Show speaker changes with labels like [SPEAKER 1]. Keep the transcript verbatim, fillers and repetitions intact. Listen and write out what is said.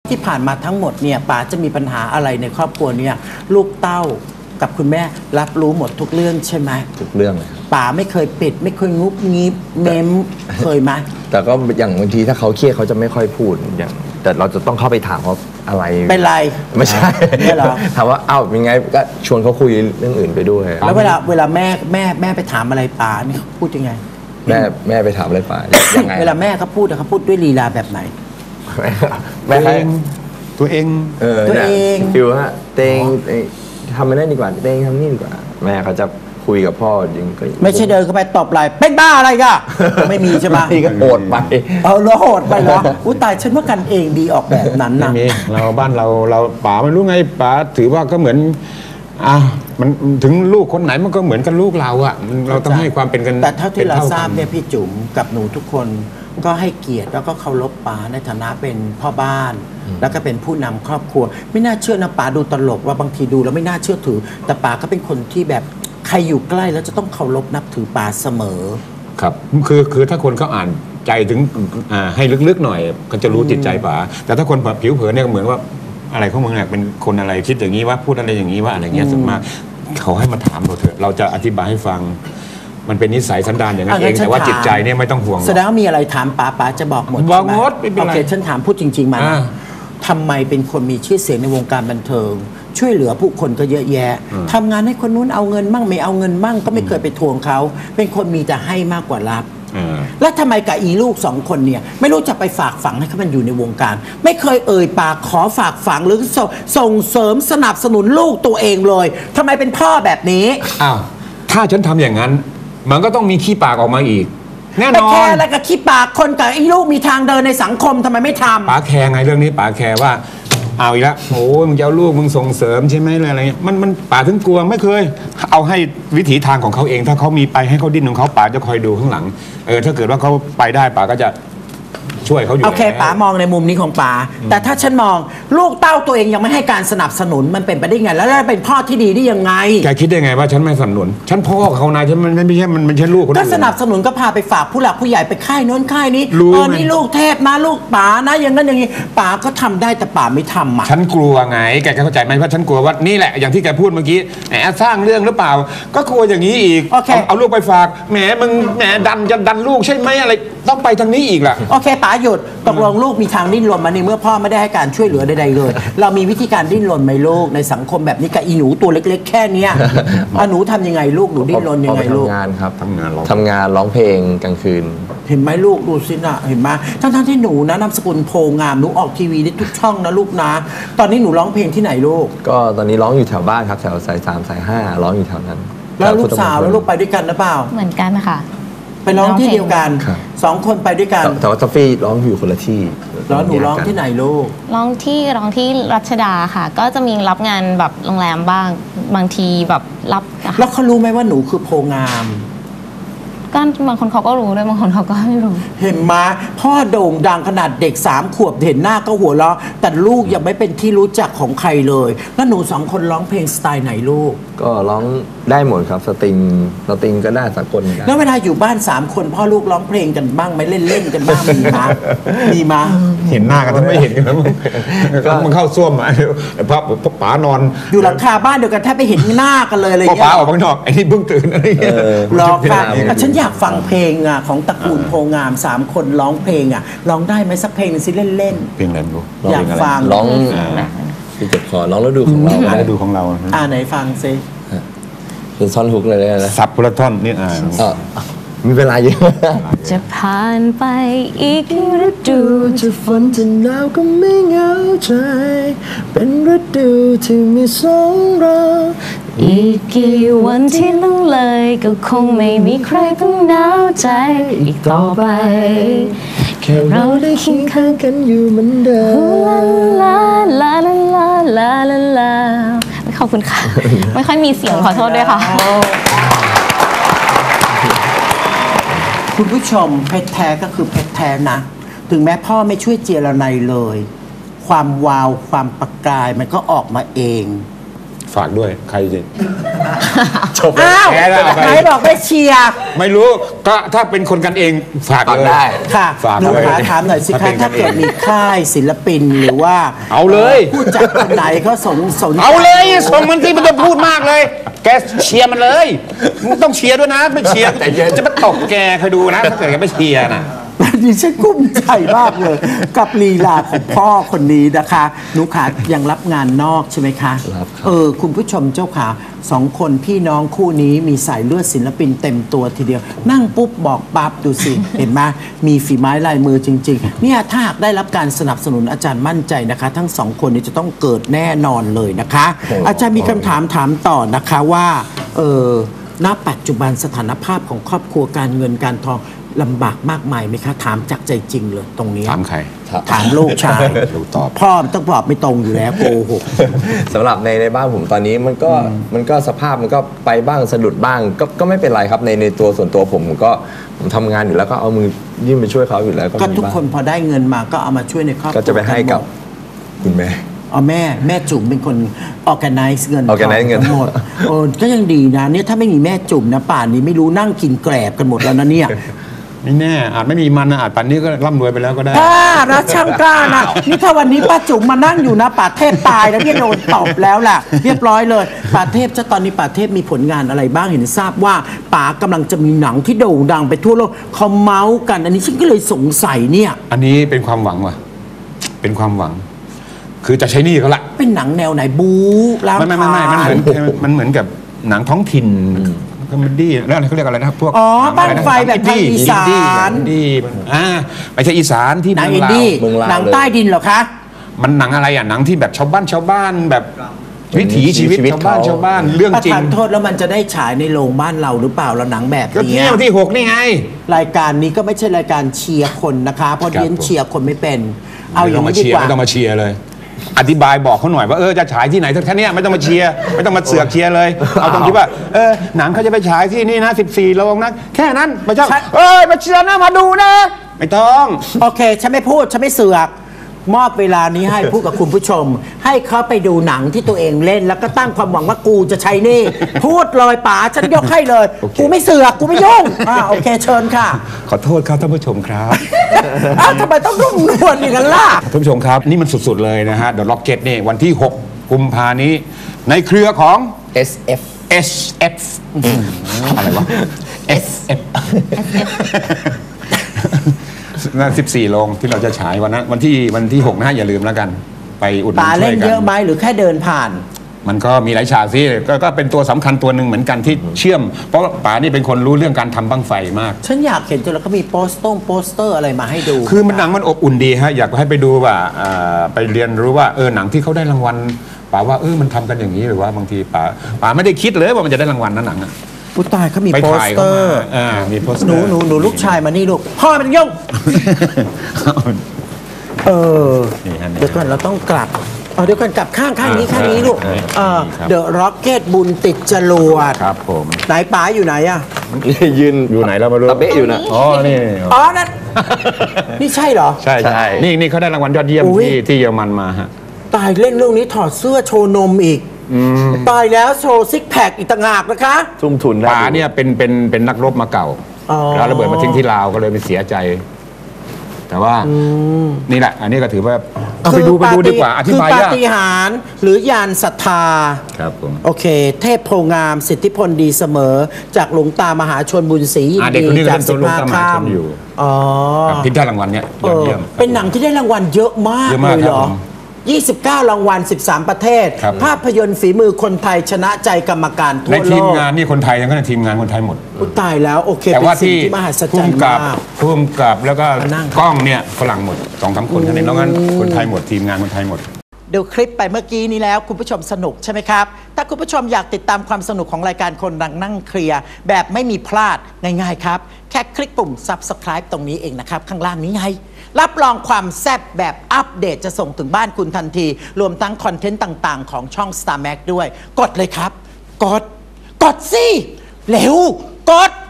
[SPEAKER 1] ที่ผ่านมาทั้งหมดเนี่ยป๋าจะมีปัญหาอะไรในครอบครัวเนี่ยลูกเต้ากับคุณแม่รับรู้หมดทุกเรื่องใช่ไหม
[SPEAKER 2] ทุกเรื่องเลย
[SPEAKER 1] ป๋าไม่เคยปิดไม่เคยงุบงิบเมมเคยไหม
[SPEAKER 2] แต่ก็อย่างบางทีถ้าเขาเครียดเขาจะไม่ค่อยพูดอย่างแต่เราจะต้องเข้าไปถามเขาอะไร
[SPEAKER 1] เป็นไร
[SPEAKER 2] ไม่ใช่
[SPEAKER 1] ไม่หรอ
[SPEAKER 2] ถามว่าเอ้าเป็นไงก็ชวนเขาคุยเรื่องอื่นไปด้วย
[SPEAKER 1] แล้วเวลาเวลาแม่แม่แม่ไปถามอะไรป๋านี่เขาพูดยังไง
[SPEAKER 2] แม่แม่ไปถามอะไรป๋ายังไง
[SPEAKER 1] เวลาแม่เขาพูดเขาพูดด้วยลีลาแบบไหน
[SPEAKER 2] แม่เอง
[SPEAKER 3] ตัวเอง
[SPEAKER 2] เออตัวเองฟิวฮะเตงทำไม่ได้ดีกว่าเตงทำนี่ดีกว่าแม่เขาจะคุยกับพ่อจริงก็
[SPEAKER 1] ไม่ใช่เดินเข้าไปตบไหล่เป็นบ้าอะไรก็ไม่มีใช่ไหม
[SPEAKER 2] นี่ก็โหดไป
[SPEAKER 1] เออเราโหดไปเหรออุ้ยตายฉันว่ากันเองดีออกแบบนั้นนะ
[SPEAKER 3] ไม่มีเราบ้านเราเราป๋าไม่รู้ไงป๋าถือว่าก็เหมือนอ่ะมันถึงลูกคนไหนมันก็เหมือนกันลูกเราอ่ะเราต้องให้ความเป็นกัน
[SPEAKER 1] แต่เท่าที่เราทราบเนี่ยพี่จุ๋มกับหนูทุกคนก็ให้เกียรติแล้วก็เคารพป๋าในฐานะเป็นพ่อบ้านแล้วก็เป็นผู้นำครอบครัวไม่น่าเชื่อนะป๋าดูตลกว่าบางทีดูแล้วไม่น่าเชื่อถือแต่ป๋าก็เป็นคนที่แบบใครอยู่ใกล้แล้วจะต้องเคารพนับถือป๋าเสมอ
[SPEAKER 3] ครับคือคือถ้าคนเขาอ่านใจถึงอ่าให้ลึกๆหน่อยก็จะรู้จิตใจป๋าแต่ถ้าคนผิวเผินเนี่ยเหมือนว่าอะไรของมึงเนี่ยเป็นคนอะไรคิดอย่างนี้ว่าพูดอะไรอย่างนี้ว่าอะไรเงี้ยส่วนมากเขาให้มาถามเราเถอะเราจะอธิบายให้ฟังมันเป็นนิสัยสันดานอย่างนั้นเองแต่ว่าจิตใจเนี่ยไม่ต้องห่วง
[SPEAKER 1] แสดงว่ามีอะไรถามป๋าป๋าจะบอกหมด
[SPEAKER 3] บอกหมด
[SPEAKER 1] โอเคฉันถามพูดจริงๆมาทำไมเป็นคนมีชื่อเสียงในวงการบันเทิงช่วยเหลือผู้คนก็เยอะแยะทำงานให้คนนู้นเอาเงินมั่งไม่เอาเงินมั่งก็ไม่เคยไปทวงเขาเป็นคนมีแต่ให้มากกว่ารับแล้วทำไมกับอีลูกสองคนเนี่ยไม่รู้จะไปฝากฝังให้เขามันอยู่ในวงการไม่เคยเอ่ยปากขอฝากฝังหรือส่งเสริมสนับสนุนลูกตัวเองเลยทำไมเป็นพ่อแบบนี้
[SPEAKER 3] อ้าวถ้าฉันทำอย่างนั้นมันก็ต้องมีขี้ปากออกมาอีกแน่นอน
[SPEAKER 1] แค่แล้วก็ขี้ปากคนกับไอ้ลูกมีทางเดินในสังคมทำไมไม่ทำ
[SPEAKER 3] ป๋าแคร์ไงเรื่องนี้ป๋าแคร์ว่าเอาอีกแล้วโอ้มึงจะเอาลูกมึงส่งเสริมใช่ไหมอะไรเงี้ยมันมันป๋าถึงกลัวไม่เคยเอาให้วิถีทางของเขาเองถ้าเขามีไปให้เขาดิ้นของเขาป๋าจะคอยดูข้างหลังเออถ้าเกิดว่าเขาไปได้ป๋าก็จะช่วยเขาอยู่
[SPEAKER 1] โอเคป๋ามองในมุมนี้ของป๋าแต่ถ้าฉันมองลูกเต้าตัวเองยังไม่ให้การสนับสนุนมันเป็นไปได้ไงแล้วจะเป็นพ่อที่ดีได้ยังไง
[SPEAKER 3] แกคิดได้ไงว่าฉันไม่สนับสนุนฉันพ่อเขานายฉันมันไม่ใช่มันไม่ใช่ลูกคน
[SPEAKER 1] ก็สนับสนุนก็พาไปฝากผู้หลักผู้ใหญ่ไปค่ายโน้นค่ายนี้เออนี่ลูกเทพนะลูกป๋านะอย่างนั้นอย่างนี้ป๋าก็ทำได้แต่ป๋าไม่ทำอ่ะ
[SPEAKER 3] ฉันกลัวไงแกเข้าใจไหมว่าฉันกลัวว่านี่แหละอย่างที่แกพูดเมื่อกี้แหมสร้างเรื่องหรือเปล่าก็กลัวอย่างนี้อีกเอาลูกไปฝากแหมมึงแหมดันจะดันลูกใช่ไหมอะไรต้องไปทางนี้อีกล่ะ
[SPEAKER 1] โอเคป๋าหยุดตกลงลูกมีทางดิ้นรนมาในเมื่อพ่อไม่ได้ให้การช่วยเหลือใดๆเลยเรามีวิธีการดิ้นรนไหมลูกในสังคมแบบนี้กับอีหนูตัวเล็กๆแค่นี้หนูทำยังไงลูกหนูดิ้นรนยังไงลูก
[SPEAKER 2] ทำงานครับทำงานร้องทำงานร้องเพลงกลางคืน
[SPEAKER 1] เห็นไหมลูกดูสินะเห็นไหมทั้งๆที่หนูนะนามสกุลโพงามหนูออกทีวีได้ทุกช่องนะลูกนะตอนนี้หนูร้องเพลงที่ไหนลูก
[SPEAKER 2] ก็ตอนนี้ร้องอยู่แถวบ้านครับแถวสายสามสายห้าร้องอยู่แถวนั้น
[SPEAKER 1] แล้วลูกสาวแล้วลูกไปด้วยกันหรือเปล่า
[SPEAKER 4] เหมือนกันค่ะ
[SPEAKER 1] ไปร้องที่เดียวกันสองคนไปด้วยกัน
[SPEAKER 2] แต่ว่าทัฟฟี่ร้องอยู่คนละที่
[SPEAKER 1] แล้วหนูร้องที่ไหนลูก
[SPEAKER 4] ร้องที่ร้องที่รัชดาค่ะก็จะมีรับงานแบบโรงแรมบ้างบางทีแบบรับ
[SPEAKER 1] แล้วเขารู้ไหมว่าหนูคือโพงาม
[SPEAKER 4] ก็บางคนเขาก็รู้ด้วยบางคนเขาก็ไม่รู้
[SPEAKER 1] เห็นมาพ่อโด่งดังขนาดเด็กสามขวบเห็นหน้าก็หัวเราะแต่ลูกยังไม่เป็นที่รู้จักของใครเลยแล้วหนูสองคนร้องเพลงสไตล์ไหนลูก
[SPEAKER 2] ก็ร้องได้หมดครับสตริงสตริงก็ได้สากล
[SPEAKER 1] แล้วเวลาอยู่บ้านสามคนพ่อลูกร้องเพลงกันบ้างไหมเล่นเล่นกันบ้างมีมามีมา
[SPEAKER 3] เห็นหน้ากันถ้าไม่เห็นกันก็มันเข้าซ่วมอ่ะพ่อพ่อป๋านอน
[SPEAKER 1] อยู่หลังคาบ้านเดียวกันแทบไปเห็นหน้ากันเลยอะไร
[SPEAKER 3] เงี้ยพ่อป๋าออกข้างนอกไอ้นี่เพิ่งตื่นอะไรเงี้ย
[SPEAKER 1] รอค่ะฉันอยากฟังเพลงอ่ะของตระกูลโพงามสามคนร้องเพลงอ่ะร้องได้ไหมสักเพลงนึงสิเล่นเล่น
[SPEAKER 3] เพลงอะไรลูก
[SPEAKER 1] อยากฟัง
[SPEAKER 2] ร้องพี่เจ็บคอร้องแล้วดูของเรา
[SPEAKER 3] แล้วดูของเรา
[SPEAKER 1] อ่าไหนฟังซิ
[SPEAKER 2] เป็นท่อนฮุกเลยนะ
[SPEAKER 3] ซับพุทธท่อนนี่อ่า
[SPEAKER 2] มีเวลาเยอะ
[SPEAKER 4] จะผ่านไปอีกฤดู
[SPEAKER 2] จะฝนจะหนาวก็ไม่เหงาใจเป็นฤดูที่มีสองเรา
[SPEAKER 4] อีกกี่วันที่ล่วงเลยก็คงไม่มีใครต้องหนาวใจอีกต่อไป
[SPEAKER 2] แค่เราได้เคียงข้างกันอยู่เหมือนเดิ
[SPEAKER 4] มลาลาลาลาลาลาลาขอบคุณค่ะไม่ค่อยมีเสียงขอโทษด้วยค่ะ
[SPEAKER 1] คุณผู้ชมเพชรแท้ก็คือเพชรแท้นะถึงแม้พ่อไม่ช่วยเจรไนเลยความวาวความประกายมันก็ออกมาเอง
[SPEAKER 3] ฝากด้วยใครจะ
[SPEAKER 2] จบ
[SPEAKER 1] อ้าว
[SPEAKER 3] แพ้แล้วเอาไป
[SPEAKER 1] ไหนบอกไม่เชียร์
[SPEAKER 3] ไม่รู้ก็ถ้าเป็นคนกันเองฝาก
[SPEAKER 2] ฝาก
[SPEAKER 3] เลย
[SPEAKER 2] ได้
[SPEAKER 1] ค่ะ
[SPEAKER 3] ฝาก
[SPEAKER 1] หนู
[SPEAKER 3] เลย
[SPEAKER 1] ขาถามหน่อยสิ
[SPEAKER 3] ถ้าเป็
[SPEAKER 1] คะ
[SPEAKER 3] น
[SPEAKER 1] ถ้าเกิดมีค่ายศิลปินหรือว่า
[SPEAKER 3] เอาเลย
[SPEAKER 1] ผู้จัดคนไหนเขาสนสนใจ
[SPEAKER 3] เอาเลยส่งมันสิมันจะพูดมากเลย แกเชียร์มันเลยมึงต้องเชียร์ด้วยนะไม่เชียร์จะมาตบแกคอยดูนะถ้าเกิดแกไม่เชียร์นะ
[SPEAKER 1] ดิฉันกุ้มใจมากเลย กับลีลาของพ่อคนนี้นะคะหนูขายังรับงานนอกใช่ไหมคะ
[SPEAKER 2] รับครับ
[SPEAKER 1] เออคุณผู้ชมเจ้าขาสองคนพี่น้องคู่นี้มีสายเลือดศิลปินเต็มตัวทีเดียว นั่งปุ๊บบอกปั๊บดูสิ เห็นไหมมีฝีไม้ลายมือจริงๆเนี่ยถ้าหากได้รับการสนับสนุนอาจารย์มั่นใจนะคะ ทั้งสองคนนี้จะต้องเกิดแน่นอนเลยนะคะ อาจารย์มีคำถามถามต่อนะคะว่าเออณปัจจุบันสถานภาพของครอบครัวการเงินการทองลำบากมากมายไหมคะ ถามจากใจจริงเลยตรงนี้
[SPEAKER 3] ถามใคร
[SPEAKER 1] ถามลูกชาย
[SPEAKER 3] ลูกตอบ
[SPEAKER 1] พ่อมันต้องตอบไม่ตรงอยู่แล้วโกหก
[SPEAKER 2] สำหรับในในบ้านผมตอนนี้มันก็มันก็สภาพมันก็ไปบ้างสะดุดบ้างก็ก็ไม่เป็นไรครับในในตัวส่วนตัวผมผมก็ผมทำงานอยู่แล้วก็เอามือยื่นไปช่วยเขาอยู่แล้วก็
[SPEAKER 1] ก็
[SPEAKER 2] มี
[SPEAKER 1] ทุก
[SPEAKER 2] บ้าง
[SPEAKER 1] คนพอได้เงินมาก็เอามาช่วยในครอบครัว
[SPEAKER 2] ก็จะไปให้กับ
[SPEAKER 1] นหมด
[SPEAKER 2] คุณแม่
[SPEAKER 1] เอาแม่แม่จุ๋มเป็นคน organize เงิน
[SPEAKER 2] organize เงิน
[SPEAKER 1] ทั้งหมดโอ้ก็ยังดีนะเนี่ยถ้าไม่มีแม่จุ๋มนะป่านนี้ไม่รู้นั่งกินแกลบกันหมดแล้วนะเนี่ย
[SPEAKER 3] ไม่แน่อาจไม่มีมันนะอาจป่านนี้ก็ร่ำรวยไปแล้วก็ได้
[SPEAKER 1] กล้านะช่างกล้านะนี่ถ้าวันนี้ป้าจุ๋มมานั่งอยู่นะป่าเทพตายแล้วเนี่ยโดนตบแล้วล่ะ เรียบร้อยเลยป่าเทพจะตอนนี้ป่าเทพมีผลงานอะไรบ้างเห็นทราบว่าป๋ากำลังจะมีหนังที่โด่งดังไปทั่วโลกเขาเมาส์กัน อันนี้ฉันก็เลยสงสัยเนี่ย
[SPEAKER 3] อันนี้เป็นความหวังว่ะเป็นความหวัง คือจะใช้หนี่เขาละ
[SPEAKER 1] เป็นหนังแนวไหนบู๊ล้าง
[SPEAKER 3] ไม่ไม่ไม่ไม่มันเหมือนมันเหมือนกับหนังท้องถิ่นคอมเมดี้แล้วอะไรเขาเรียกอะไรนะพวก
[SPEAKER 1] อ๋อ
[SPEAKER 3] หนั
[SPEAKER 1] บ้าง น
[SPEAKER 3] อะไระ
[SPEAKER 1] ไฟแบบทางอีสาน
[SPEAKER 3] อินดี้อ่าไม่ใช่อีสานที่
[SPEAKER 1] หนัง
[SPEAKER 3] เมื
[SPEAKER 1] อิ
[SPEAKER 3] อน งลาว
[SPEAKER 1] ดี้
[SPEAKER 2] เมืองลาว
[SPEAKER 1] หนังใต้ดินเหรอคะ
[SPEAKER 3] มันหนังอะไรอ่ะหนังที่แบบชาวบ้านชาวบ้านแบบวิถีชีวิต
[SPEAKER 2] ชีวิต
[SPEAKER 3] ชาวบ้าน
[SPEAKER 2] เขา
[SPEAKER 3] ชาวบ้านเรื่อง
[SPEAKER 1] ประ
[SPEAKER 3] จริง
[SPEAKER 1] ธานโทษแล้วมันจะได้ฉายในโรงบ้านเราหรือเปล่าเราหนังแบบ
[SPEAKER 3] ก็
[SPEAKER 1] นี้
[SPEAKER 3] เที่ยวที่หกนี่ไง
[SPEAKER 1] รายการนี้ก็ไม่ใช่รายการเชียร์คนนะคะเพราะ
[SPEAKER 3] ครับ
[SPEAKER 1] เรียนเชียร์คนไม่เป็น เอา
[SPEAKER 3] ไม่
[SPEAKER 1] อ
[SPEAKER 3] ต้
[SPEAKER 1] ย่า
[SPEAKER 3] อง งมา
[SPEAKER 1] นี้ดี
[SPEAKER 3] เชีย
[SPEAKER 1] ก
[SPEAKER 3] ร์
[SPEAKER 1] ว่า
[SPEAKER 3] ไม่ต้องมาเชียร์เลย อธิบายบอกเขาหน่อยว่าเออจะฉายที่ไหนแค่เนี้ยไม่ต้องมาเชียร์ไม่ต้องมาเสือกเชียร์เลย เอาตรงที่ว่าเออหนังเขาจะไปฉายที่นี่นะสิบสี่โรงนะแค่นั้นไม่ใช่เอ้ยมาเชียร์นะมาดูนะ ไม่ต้อง
[SPEAKER 1] โอเคฉันไม่พูดฉันไม่เสือกมอบเวลานี้ให้พูดกับคุณผู้ชม ให้เขาไปดูหนังที่ตัวเองเล่น แล้วก็ตั้งความหวังว่ากูจะใช้หนี่ พูดเลยป๋าฉันยกให้เลย กูไม่เสือกกูไม่ยุ่งอ่าโอเคเชิญค่ะ
[SPEAKER 3] ขอโทษครับท่านผู้ชมครับ
[SPEAKER 1] อ้าวทำไมต้องรุ่มนวลอย่างนั้นล่ะ
[SPEAKER 3] ท่านผู้ชมครับนี่มันสุดๆเลยนะฮะ The Rocket นี่วันที่หกกุมภานี้ ในเครือของ
[SPEAKER 2] เอส เอฟ
[SPEAKER 3] เอส เอฟ อะไรวะ เอส เอฟ นั่นสิบสี่โรงที่เราจะฉายวันนั้นวันที่วันที่หกนะฮะอย่าลืมแล้วกัน ไปอุดหนุ
[SPEAKER 1] ป๋าน
[SPEAKER 3] ช่
[SPEAKER 1] เล่
[SPEAKER 3] วย
[SPEAKER 1] น
[SPEAKER 3] กั
[SPEAKER 1] เยอะไหมหรือแค่เดินผ่าน
[SPEAKER 3] มันก็มีหลายฉากสิก็ก็เป็นตัวสำคัญตัวหนึ่งเหมือนกันที่เชื่อม เพราะว่าป๋านี่เป็นคนรู้เรื่องการทำบั้งไฟมาก
[SPEAKER 1] ฉันอยากเห็นจนแล้วก็มีโปสต์โปสเตอร์อะไรมาให้ดู
[SPEAKER 3] คือมันหนังมันอบอุ่นดีฮะอยากให้ไปดูว่าอ่าไปเรียนรู้ว่าเออหนังที่เขาได้รางวัลป๋าว่าเออมันทำกันอย่างนี้หรือว่าบางทีป๋าป๋าไม่ได้คิดเลยว่ามันจะได้รางวัลนั้นหนังอะ
[SPEAKER 1] ผู้ตายเขามี
[SPEAKER 3] ไป
[SPEAKER 1] โปส
[SPEAKER 3] ถ่าย
[SPEAKER 1] เต
[SPEAKER 3] เขา
[SPEAKER 1] อ
[SPEAKER 3] มา
[SPEAKER 1] ร์
[SPEAKER 3] อ่ามีโปสเต
[SPEAKER 1] ห
[SPEAKER 3] อ
[SPEAKER 1] นู
[SPEAKER 3] ร์
[SPEAKER 1] หนูหนูลูกชายมานี่ลูกพ่อมันยุ่ง เออ
[SPEAKER 3] นี่ฮะนี่
[SPEAKER 1] เดี๋ยวก่อนเราต้องกลับเอาเดี๋ยวก่อนกลับข้างข้างนี้ข้างนี้ลูก
[SPEAKER 3] อ่า
[SPEAKER 1] เออ
[SPEAKER 3] ครับ
[SPEAKER 1] เดอะร็อกเก็ตบุญติดจรวด
[SPEAKER 3] ครับผม
[SPEAKER 1] ไหนป๋าอยู่ไหนอ่ะ
[SPEAKER 2] ยืน
[SPEAKER 3] อยู่ไหนเราไม่รู้
[SPEAKER 2] ตะเบะอยู่นะ
[SPEAKER 3] อ๋อนี่
[SPEAKER 1] อ๋อนั่น นี่ใช่เหรอ
[SPEAKER 3] ใช่
[SPEAKER 2] ใช่
[SPEAKER 3] ใช่นี่นี่เขาได้รางวัลยอดเยี่ยม
[SPEAKER 1] อุ๊ย
[SPEAKER 3] ที่ที่เยอรมันมาฮะ
[SPEAKER 1] ตายเล่นเรื่องนี้ถอดเสื้อโชว์นมอีกตายแล้วโชว์ซิกแพคอีกต่างหากนะคะ
[SPEAKER 2] ทุ่มทุนได้
[SPEAKER 3] ป๋าเนี่ยเป็นเป็นเป็นนักรบมาเก่า
[SPEAKER 1] อ๋อ
[SPEAKER 3] แล้วระเบิดมาทิ้งที่ลาวก็เลยไปเสียใจ แต่ว่านี่แหละ อันนี้ก็ถือว่าเอาไปดูไปดูดีกว่าอธิบาย
[SPEAKER 1] คือปาย
[SPEAKER 3] าก
[SPEAKER 1] ฏิหาริย์หรือยานศรัทธา
[SPEAKER 3] ครับผม
[SPEAKER 1] โอเค เทพโพงามสิทธิพลดีเสมอ จากหลวงตามหาชนบุญศรียิน
[SPEAKER 3] อ่าเด็ก
[SPEAKER 1] ดี
[SPEAKER 3] คนนี้ก็
[SPEAKER 1] จาก
[SPEAKER 3] เป็น
[SPEAKER 1] สิ
[SPEAKER 3] ตัว
[SPEAKER 1] บ
[SPEAKER 3] หลวง
[SPEAKER 1] ห้า
[SPEAKER 3] ตามหา
[SPEAKER 1] ข้า
[SPEAKER 3] ช
[SPEAKER 1] ม
[SPEAKER 3] นอยู่
[SPEAKER 1] อ๋อ
[SPEAKER 3] ครับที่ได้รางวัลเนี่ยยอดเยี่ยม
[SPEAKER 1] เออเป็นหนังที่ได้รางวัลเยอะมาก
[SPEAKER 3] เยอะ
[SPEAKER 1] เล
[SPEAKER 3] มาก
[SPEAKER 1] ยเหรอ
[SPEAKER 3] ครับผม
[SPEAKER 1] ยี่สิบเก้ารางวัลสิบสามประเทศ
[SPEAKER 3] ครับ
[SPEAKER 1] ภาพยนตร์ฝีมือคนไทยชนะใจกรรมการทั่
[SPEAKER 3] ใน
[SPEAKER 1] วโล
[SPEAKER 3] ทีม
[SPEAKER 1] ก
[SPEAKER 3] งานนี่คนไทยยังก็ในทีมงานคนไทยหมด
[SPEAKER 1] อุ๊ยตายแล้วโอเค
[SPEAKER 3] แต่
[SPEAKER 1] เป็น
[SPEAKER 3] ว่า
[SPEAKER 1] สิ่ง
[SPEAKER 3] ที่
[SPEAKER 1] ที่มหัศจร
[SPEAKER 3] พุ่
[SPEAKER 1] ร
[SPEAKER 3] ม
[SPEAKER 1] ย์
[SPEAKER 3] กับ
[SPEAKER 1] มาก
[SPEAKER 3] พุ่มกับแล้วก็
[SPEAKER 1] มานั่ง
[SPEAKER 3] กล้องเนี่ยฝรั่งหมดสองสามคนเท่านั้นนอกนั้นคนไทยหมดทีมงานคนไทยหมด
[SPEAKER 1] ดูคลิปไปเมื่อกี้นี้แล้วคุณผู้ชมสนุกใช่ไหมครับ ถ้าคุณผู้ชมอยากติดตามความสนุกของรายการคนดังนั่งเคลียร์แบบไม่มีพลาดง่ายๆครับ แค่คลิกปุ่ม Subscribe ตรงนี้เองนะครับ ข้างล่างนี้ไง รับรองความแซ่บแบบอัปเดตจะส่งถึงบ้านคุณทันที รวมทั้งคอนเทนต์ต่างๆ ของช่อง Star Max ด้วย กดเลยครับ กด กดสิเร็วกด